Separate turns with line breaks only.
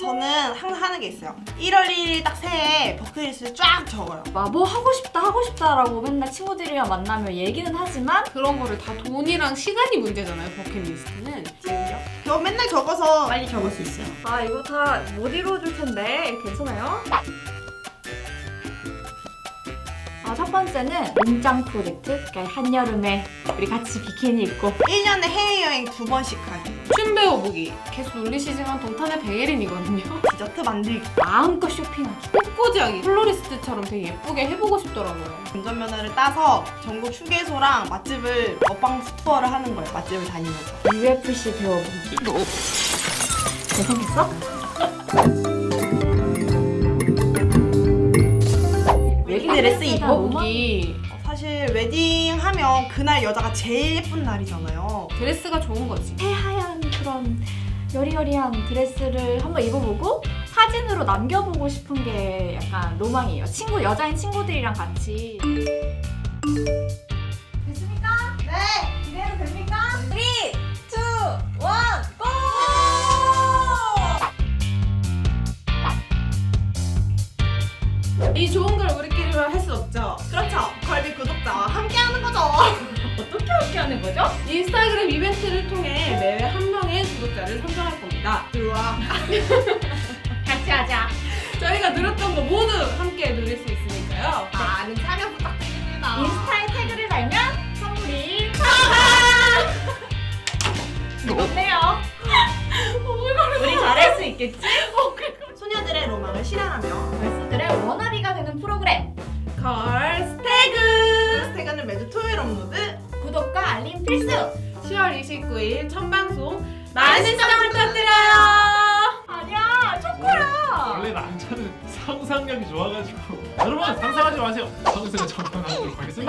저는 항상 하는 게 있어요. 1월 1일 딱 새해 버킷리스트를 쫙 적어요.
뭐 하고 싶다라고 맨날 친구들이랑 만나면 얘기는 하지만
그런 거를 다 돈이랑 시간이 문제잖아요, 버킷리스트는.
지금요? 저 맨날 적어서 빨리 적을 수 있어요.
아 이거 다 못 이루어줄 텐데 괜찮아요? 첫 번째는 몸짱 프로젝트. 그러니까 한여름에 우리 같이 비키니 입고
1년에 해외여행 2번씩 가기.
춤 배워보기. 계속 놀리시지만 동탄의 베예린이거든요.
디저트 만들기.
마음껏 쇼핑하기.
꽃꽂이하기. 플로리스트처럼 되게 예쁘게 해보고 싶더라고요.
운전면허를 따서 전국 휴게소랑 맛집을 먹방 투어를 하는 거예요. 맛집을 다니면서.
UFC 배워보기. 잘생겼어?
웨딩 드레스
입어보기.
사실 웨딩 하면 그날 여자가 제일 예쁜 날이잖아요.
드레스가 좋은 거지.
새하얀 그런 여리여리한 드레스를 한번 입어보고 사진으로 남겨보고 싶은 게 약간 로망이에요. 여자인 친구들이랑 같이. 됐습니까?
네!
기대해도 됩니까? 3, 2, 1, GO!
이 좋은 걸 우리끼리만 할 수 없죠.
그렇죠. 걸비 구독자와 함께 하는 거죠.
어떻게 하는 거죠?
인스타그램 이벤트를 통해 매회 한 명의 구독자를 선정할 겁니다.
들어와.
같이 하자.
저희가 누렸던 거 모두 함께 누릴 수 있으니까요.
많은 참여 부탁드립니다.
인스타에 태그를 달면 선물이 좋네요. 우리 잘할 수 있겠지?
소녀들의 로망을 실현하며
걸스들의 워너비가 되는 프로그램.
걸스태그!
걸스태그는 매주 토요일 업로드.
구독과 알림 필수.
10월 29일 첫 방송 많은 시청 부탁드려요.
아니야, 초코야.
원래 남자는 상상력이 좋아가지고 여러분 상상하지 마세요. 상상을 적용하도록 하겠습니다.